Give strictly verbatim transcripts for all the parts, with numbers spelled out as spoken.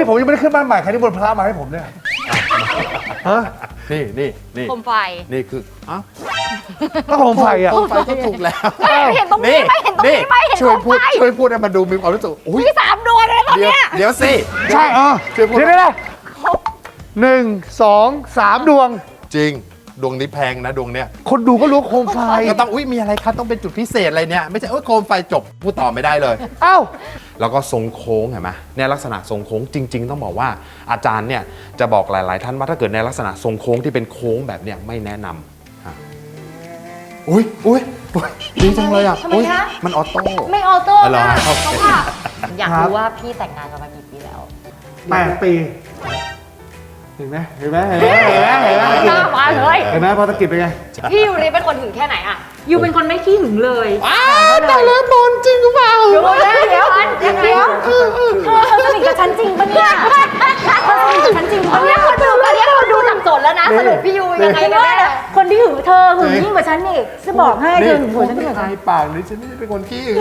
ผมยังไม่ได้ขึ้นบ้านใหม่ใครที่บนพระมาให้ผมเนี่ยฮะนี่นี่นี่โคมไฟนี่คืออ้าวก็โคมไฟอ่ะโคมไฟก็ถูกแล้วไม่เห็นตรงนี้ไม่เห็นตรงนี้ไม่เห็นช่วยโคพูมดไฟช่วยพูดให้มันดูมีความรู้สึกอุ้ยมีสามดวงเลยตอนเดี๋ยวเนี้ยเดี๋ยวสิใช่เออช่วยพูดเดี๋ยวนะหนึ่งสองสามดวงจริงดวงนี้แพงนะดวงเนี้ยคนดูก็รู้ว่าโคมไฟก็ต้องอุ้ยมีอะไรครับต้องเป็นจุดพิเศษอะไรเนี่ยไม่ใช่เอ้ยโคมไฟจบพูดต่อไม่ได้เลยเอ้าแล้วก็ทรงโค้งเห็นไหมเนี่ยลักษณะทรงโค้งจริง ๆ ต้องบอกว่าอาจารย์เนี่ยจะบอกหลาย ๆ ท่านว่าถ้าเกิดในลักษณะทรงโค้งที่เป็นโค้งแบบเนี้ยไม่แนะนำฮะอุ้ยอุ้ยอุ๊ยดีจังเลยอ่ะทำไมอุ๊ยคะมันออโต้ไม่ออโต้อ๋อเหรอค่ะโอเคเพราะว่าอยากครับรู้ว่าพี่แต่งงานกันมากี่ปีแล้วแปดปีเห็นไหมเห็นไหมเห็นไหมเห็นไหมเห็นไหมหน้ามาเลยเห็นไหมพอตะกิดเป็นไงพี่ยูริเป็นคนถึงแค่ไหนอะยูเป็นคนไม่ขี้หึงเลยอ้าวแต่ละบอลจริงหรือเปล่าเดี๋ยวเดี๋ยวยังไงเดี๋ยวเธอสนิทกับฉันจริงปะเนี่ยเธอสนิทกับฉันจริงตอปะนเนี่นี้ยคนดูตอนนี้คนดูสับสนแล้วนะสรุปพี่ยูยังไงไม่กันได้แน่คนที่หึงเธอหึงยิ่งกว่าฉันอีกจะบอกให้เธอหึงกว่าฉันอีกทายปากนี่ฉันไม่ได้เป็นคนขี้หึง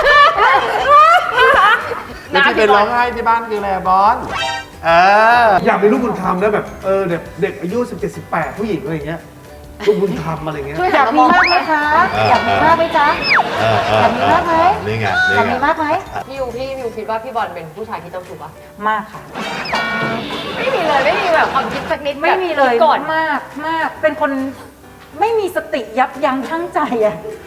แล้วที่เป็นร้องไห้ที่บ้านคืออะไรอะบอลเอออยากมีลูกบุญธรรมนะแบบเออเด็กเด็กอายุสิบเจ็ดสิบแปดผู้หญิงอะไรอย่างเงี้ยลูกบุญธรรมอะไรอย่างเงี้ยช่วยอหัยาน กมามมีองมากไหมคะอยากมีมากไหมจ๊ะเออเอออยากมีมากไหมนี่ไงอนี่ยากไงมีมากไหมพี่ยูพี่ยูคิดว่าพี่บอลเป็นผู้ชายที่เจ้าชู้ปะมากค่ะไม่มีเลยไม่มีแบบความคิดสักนิดไม่มีเลยแบบคิดก่อนมากมากเป็นคนไม่มีสติยับยั้งชั่งใจอะ